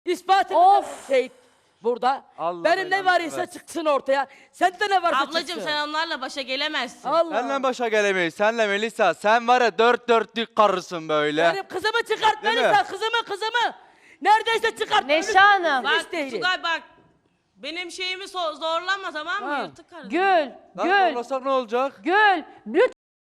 İspat Of. şey burada. Allah Benim ne belanı var ise versin. çıksın ortaya. Sende ne varsa Ablacığım çıksın. sen onlarla başa gelemezsin. Allah. Senle başa gelemeyiz. Senle Melisa. Sen var ya dört dörtlük karısın böyle. Benim kızımı çıkart Değil Melisa, mi? kızımı. Neredeyse çıkart. Neşe Hanım. Bak Hiç değil. Tugay bak. Benim şeyimi zorlama tamam mı? Ha. Yırtık karı. Gül, Lan Gül, zorlasak ne olacak? Gül. Lütfen.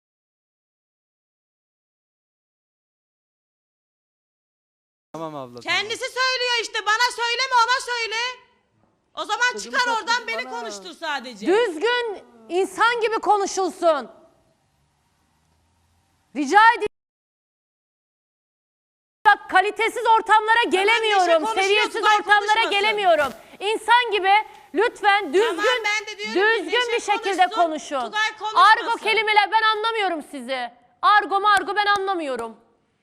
Tamam abla. Kendisi söylüyor işte bana söyleme ona söyle. O zaman Kızımı çıkar oradan sakın beni bana. konuştur sadece. Düzgün insan gibi konuşulsun. Rica ediyorum. Bak kalitesiz ortamlara gelemiyorum. konuşuyor, Seviyesiz Tugay ortamlara konuşmasın. gelemiyorum. İnsan gibi lütfen düzgün ben de diyorum ki düzgün Neşe bir şekilde konuşsun, konuşun. Tugay konuşmasın. Argo kelimeler ben anlamıyorum sizi. Argo ben anlamıyorum.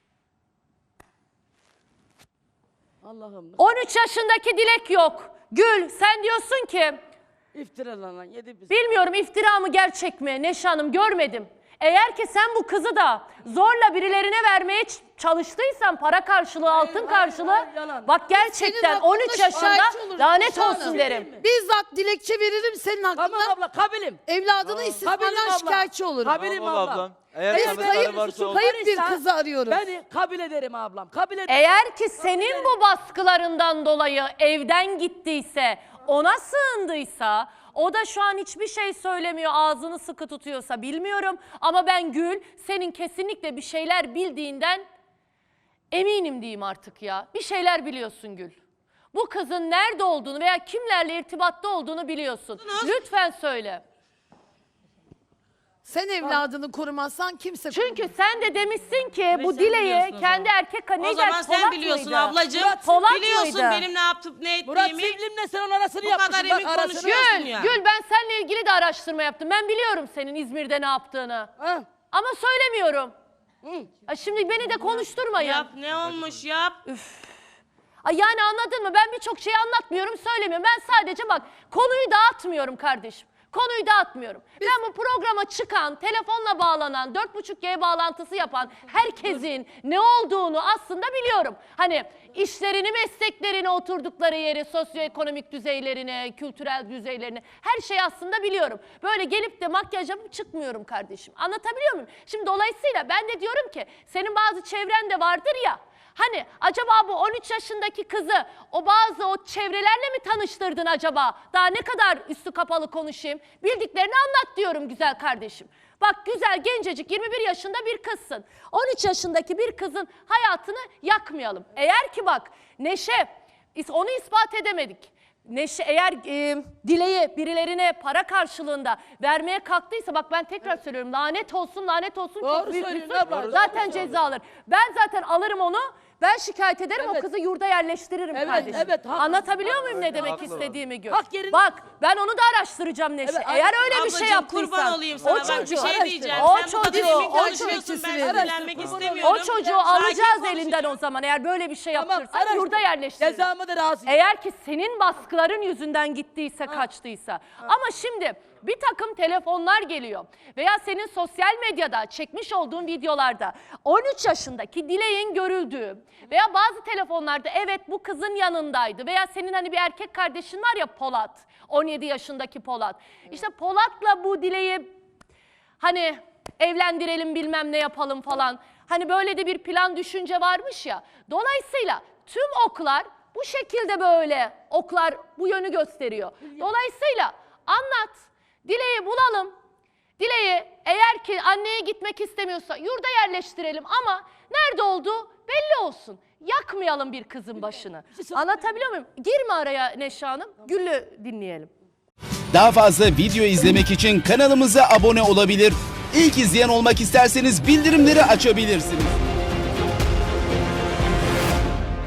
Allah'ım. 13 yaşındaki Dilek yok. Gül sen diyorsun ki İftiralan yedi biz. bilmiyorum iftira mı gerçek mi Neşe Hanım görmedim. Eğer ki sen bu kızı da zorla birilerine vermeye çalıştıysan para karşılığı, altın karşılığı hayır, yalan. bak gerçekten Senin 13 hakkında yaşında şikayetçi olurum lanet Neşe Hanım. olsun derim. Bizzat dilekçe veririm senin hakkında. Tamam abla kabilim. Evladını Kabilim istismardan abla. şikayetçi olurum. Kabilim Tamam abla. ablam. Eğer Beni tanıdıkları kayıp, varsa olur. kayıp bir kızı arıyoruz. Beni kabul ederim ablam. Kabul ederim. Eğer ki senin bu baskılarından dolayı evden gittiyse, ona sığındıysa, o da şu an hiçbir şey söylemiyor, ağzını sıkı tutuyorsa bilmiyorum. Ama ben Gül, senin kesinlikle bir şeyler bildiğinden eminim diyeyim artık ya. Bir şeyler biliyorsun Gül. Bu kızın nerede olduğunu veya kimlerle irtibatta olduğunu biliyorsun. Lütfen söyle. Sen evladını korumazsan kimse Çünkü sen de demişsin ki bu sen Dile'yi biliyorsun o kendi zaman. erkek O neydi? zaman sen Polat biliyorsun mıydı? ablacığım. Polat Biliyorsun mıydı? benim ne yaptım ne Murat ettiğimi. Sevlim'le sen onun arasını Bu yapmışsın. kadar Bak, emin arasını konuşuyorsun yap- ya. Gül ben seninle ilgili de araştırma yaptım. Ben biliyorum senin İzmir'de ne yaptığını. Ha? Ama söylemiyorum. Hı. Ay şimdi beni de konuşturmayın. Yap ne olmuş yap. Ay yani anladın mı? Ben birçok şeyi anlatmıyorum, söylemiyorum. Ben sadece bak konuyu dağıtmıyorum kardeşim. Konuyu dağıtmıyorum. Ben bu programa çıkan, telefonla bağlanan, 4.5G bağlantısı yapan herkesin ne olduğunu aslında biliyorum. Hani işlerini, mesleklerini, oturdukları yeri, sosyoekonomik düzeylerini, kültürel düzeylerini her şeyi aslında biliyorum. Böyle gelip de makyaj yapıp çıkmıyorum kardeşim. Anlatabiliyor muyum? Şimdi dolayısıyla ben de diyorum ki senin bazı çevren de vardır ya. Hani acaba bu 13 yaşındaki kızı o çevrelerle mi tanıştırdın acaba? Daha ne kadar üstü kapalı konuşayım? Bildiklerini anlat diyorum güzel kardeşim. Bak güzel gencecik 21 yaşında bir kızsın. 13 yaşındaki bir kızın hayatını yakmayalım. Eğer ki bak Neşe onu ispat edemedik. Neşe eğer Dile'yi birilerine para karşılığında vermeye kalktıysa bak ben tekrar söylüyorum lanet olsun çok Doğru büyük bir söylüyorsun suç. abla. Zaten Doğru ceza alır. Ben zaten alırım onu. Ben şikayet ederim o Evet. kızı yurda yerleştiririm Evet, kardeşim. evet, haklı. Anlatabiliyor muyum ne Evet, demek haklı. istediğimi Gül? Hak yerine- Bak ben onu da araştıracağım Neşe. Evet, Eğer öyle bir Ablacığım, şey yaptıysan. kurban olayım sana. O Bak bir çocuğu, şey diyeceğim. o Sen bu kadar çocuğu, emin o konuşuyorsun. Ben çocuğu- sinirlenmek o istemiyorum. çocuğu Sakin alacağız konuş. elinden o zaman. Eğer böyle bir şey Tamam, yaptırsan araştır. yurda yerleştirir. Cezamı da razıyım. Eğer ki senin baskıların yüzünden gittiyse, kaçtıysa. Ama şimdi bir takım telefonlar geliyor veya senin sosyal medyada çekmiş olduğun videolarda 13 yaşındaki Dilek'in görüldüğü veya bazı telefonlarda evet bu kızın yanındaydı veya senin hani bir erkek kardeşin var ya Polat, 17 yaşındaki Polat. İşte Polat'la bu Dilek'i hani evlendirelim bilmem ne yapalım falan. Hani böyle de bir plan düşünce varmış ya. Dolayısıyla tüm oklar bu şekilde böyle oklar bu yönü gösteriyor. Dolayısıyla anlat. Dilek'i bulalım. Dilek'i eğer ki anneye gitmek istemiyorsa yurda yerleştirelim ama nerede olduğu belli olsun. Yakmayalım bir kızın başını. Anlatabiliyor muyum? Girme araya Neşe Hanım. Güllü dinleyelim. Daha fazla video izlemek için kanalımıza abone olabilir. İlk izleyen olmak isterseniz bildirimleri açabilirsiniz.